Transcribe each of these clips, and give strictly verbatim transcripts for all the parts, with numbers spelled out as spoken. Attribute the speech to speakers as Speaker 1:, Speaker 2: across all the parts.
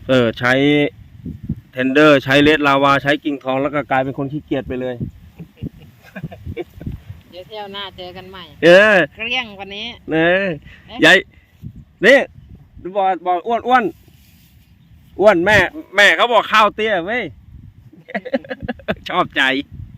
Speaker 1: เออใช้เทนเดอร์ใช้เลดลาวาใช้กิ่งทองแล้วก็กลายเป็นคนขี้เกียจไปเลย
Speaker 2: เดี๋ยวเที่ยวหน้าเจอกันใหม่
Speaker 1: เออ
Speaker 2: เกลี้ยงวันนี้
Speaker 1: เนี่ยยายนี่บอกบอกอ้วนอ้วนอ้วนแม่แม่เขาบอกข้าวเตี้ยเว้ย ชอบใจ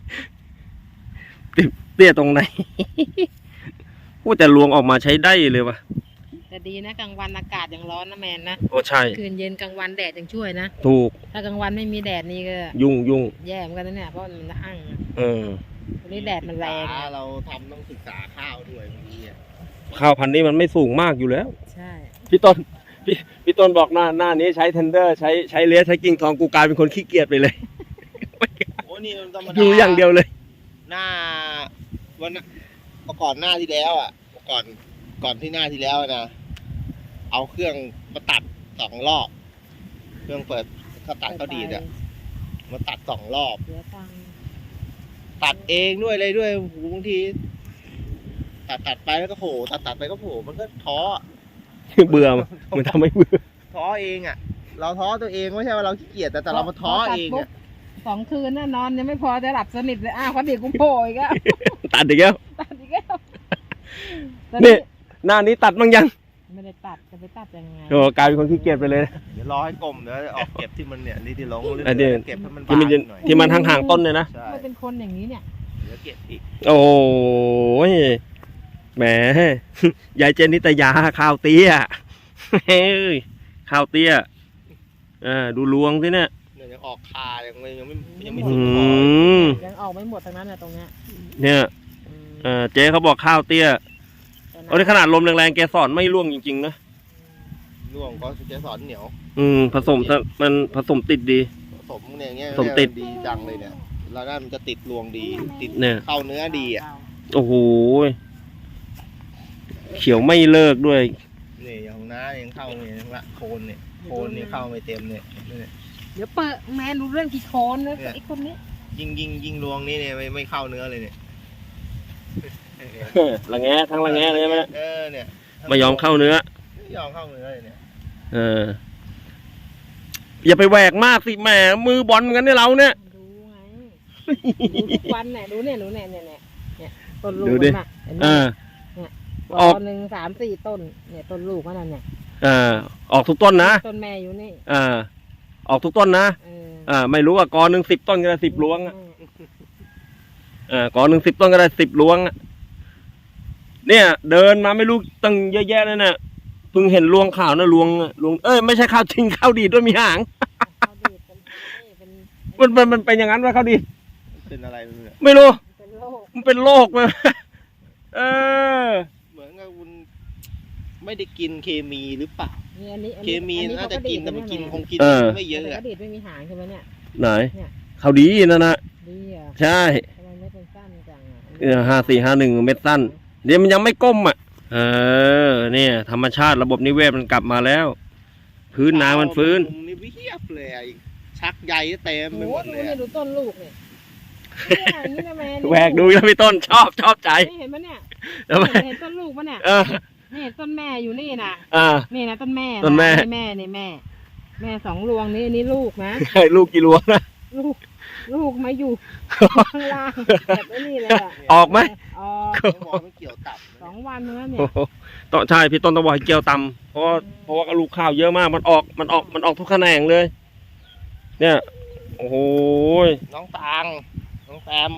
Speaker 1: เตี้ยตรงไหน พูดแต่ลวงออกมาใช้ได้เลยวะ
Speaker 2: แต่ดีนะกลางวันอากาศยังร้อนนะแมนนะ
Speaker 1: โอ้ใช่
Speaker 2: คืนเย็นกลางวันแดดยังช่วยนะ
Speaker 1: ถูก
Speaker 2: ถ้ากลางวันไม่มีแดดนี่ก็
Speaker 1: ยุ่งยุ่ง
Speaker 2: แย่เหมือนกันนะเนี่ยเพราะมันจะหั่ง
Speaker 1: เออ
Speaker 2: วันนี้แดดมันแรง
Speaker 3: เราทำต้องศึกษาข้าวด้วยบางที
Speaker 1: ข้าวพันธุ์นี้มันไม่สูงมากอยู่แล้ว
Speaker 2: ใช่
Speaker 1: พี่ต้นพี่พี่ต้นบอกหน้าหน้านี้ใช้เทนเดอร์ใช้ใช้เลสใช้กิ่งทองกูกลายเป็นคนขี้เกียจไปเลย
Speaker 3: โอ้นี่ธรรมดา
Speaker 1: ดูอย่างเดียวเลย
Speaker 3: หน้าวันก่อนหน้าที่แล้วอ่ะก่อนก่อนที่หน้าที่แล้วนะเอาเครื่องมาตัดสองรอบเครื่องเปิดเขาตัดเขาดีดอ่ะมาตัดสองรอบตัดเองด้วยเลยด้วยบางทีตัดตัดไปแล้วก็โผล่ตัดตัดไปก็โผล่มันก็ท้อ
Speaker 1: เบื่อมันทำให้เบื่อ
Speaker 3: ท้อเองอ่ะเราท้อตัวเองไม่ใช่ว่าเราขี้เกียจแต่แต่เรามาท้อเองอ่ะ
Speaker 2: สองคืนน่ะนอนยังไม่พอจะหลับสนิทเลยอ้าวพอดีกูโผล่อีกแล้ว
Speaker 1: ตัดอีกแล้ว
Speaker 2: ตัดอีกแล้ว
Speaker 1: นี่หน้านี้ตัดบ้างยัง
Speaker 2: ไม่ได้ตัดจะไปตัดยังไง
Speaker 1: โอ้กลายเป็นคนขี้เกียจไปเลย
Speaker 3: เดี๋ยวรอให้กลมเดี๋ยวออกเก็บที่มันเนี่ยนี่ที่ลงเรื่
Speaker 1: อย
Speaker 3: ๆเก็บให้มัน
Speaker 1: ที่มันที่มันห่างๆต้นเลยนะ
Speaker 2: มันเป็นคนอย่างนี้เนี่ย
Speaker 3: เดี๋ยวเก็บอีก
Speaker 1: โอ้ยแหมยายเจนนิตยาข้าวเตี้ยเฮ้ยข้าวเตี้ยอ่าดูลวงสิเนี่ย
Speaker 3: ยังออกคายังไม่ยังไม่ยังไม่สุ
Speaker 1: ด
Speaker 3: พอ
Speaker 2: ยังออกไม่หมดทั้งนั้นเลยตรงเนี้ย
Speaker 1: เนี่ยเออเจ๊เขาบอกข้าวเตี้ยโอ้ยขนาดลมแรงๆแกสอนไม่ร่วงจริงๆนะ
Speaker 3: ร่วงก็เจ๊สอนเหนียว
Speaker 1: อืมผสมมันผสมติดดี
Speaker 3: ผสมเนี่ยเงี้ย
Speaker 1: ผสมติด
Speaker 3: ดีจังเลยเนี่ยแล้วนั่นมันจะติดรวงดีติด
Speaker 1: เนี่ย
Speaker 3: เข้าเนื้อดีอ่ะ
Speaker 1: โอ้โหเขียวไม่เลิกด้วย
Speaker 3: นี่อย่างน้ายังเข้าเนี่ยละโคนเนี่ยโคนเนี่ยเข้าไม่เต็มเนี่ย
Speaker 2: เดี๋ยวเปิดแมนรู้เรื่องกี่โคนนะไอ้คนนี้
Speaker 3: ยิงยิงยิงรวงนี่เนี่ยไม่ไม่เข้าเนื้อเลยเนี่ย
Speaker 1: ละแงทั้งละแงเลยใช่ไหม
Speaker 3: เออเนี่ย
Speaker 1: ไม่ยอมเข้าเนื้อ
Speaker 3: ไม่ยอมเข้าเนื้อเลยเนี่ย
Speaker 1: เอออย่าไปแหวกมากสิแหมมือบอลกันเนี่ยเราเนี่ย
Speaker 2: ดูไงดูทุกวันเนี่ยดูเนี่ยดูเนี่ยเนี่ยเนี่ยต้นลูกมันเห็นไหมเนี่ยออกหนึ่งสามสี่ต้นเนี่ยต้นลูกมันนั่นเนี่ย
Speaker 1: อ่าออกทุกต้นนะ
Speaker 2: ต้นแม่อยู่นี่
Speaker 1: อ่าออกทุกต้นนะอ่าไม่รู้ว่ากอหนึ่งสิบต้นก็ได้สิบล้วงอ่ะอ่ากอหนึ่งสิบต้นก็ได้สิบล้วงอ่ะเนี่ยเดินมาไม่รู้ตั้งเยอะแยะเลยเนี่ยเพิ่งเห็นลวงข่าวนะลวงลวงเอ้ยไม่ใช่ข้าวจริงข้าวดีด้วยมีหางมันมันมันเป็นอย่างนั้นว่าข้าวดี
Speaker 3: เป็นอะไร
Speaker 1: ไม่รู้มันเป็นโรคเลยเออ
Speaker 3: เหมือนกับคุณไม่ได้กินเคมีหรือเปล่าเคมีน่าจะกินแต่มันกินคงกินไม่เยอะอะ
Speaker 2: ข้าวดีไม่มีหางใช่ไหมเนี่ย
Speaker 1: ไหนข้าวดีนั่นนะ
Speaker 2: ดีอ่ะ
Speaker 1: ใช่
Speaker 2: ทำไมไม่เป็นสั้นจังอ่ะ
Speaker 1: เออห้าสี่ห้าหนึ่งเม็ดสั้นเดี๋ยวมันยังไม่ก้มอ่ะเออเนี่ยธรรมชาติระบบนิเวศมันกลับมาแล้วพื้นน้ำมันฟื้น
Speaker 3: นี่เพียบเลยชักใหญ่เต็มไปหมดเลย
Speaker 2: ดูต้นลูกเนี่ย
Speaker 1: แหวกดูแล้วพี่ต้นชอบชอบใจ
Speaker 2: เห็นไหมเนี่ยเห็นต้นลูกปะเนี่ยนี่ต้นแม่อยู่นี่นะนี่นะต้นแม่
Speaker 1: ต้นแม่
Speaker 2: แม่นี่แม่แม่สองรวงนี่นี่ลูกนะ
Speaker 1: ลูกกี่รวงนะ
Speaker 2: ลูกลูกมาอยู่ข้างล่างแบบนี้เลย
Speaker 1: ออกไหม
Speaker 2: ออก
Speaker 3: ไม่เกี่ยวตับ
Speaker 2: สองวันเนื้อเนี่ย
Speaker 1: ต่อใช่พี่ต้นต้องบอกให้เกี่ยวตำเพราะเพราะว่าลูกข้าวเยอะมากมันออกมันออกมันออกทุกแขนงเลยเนี่ยโอ้โห
Speaker 3: น้องตังน้องแซม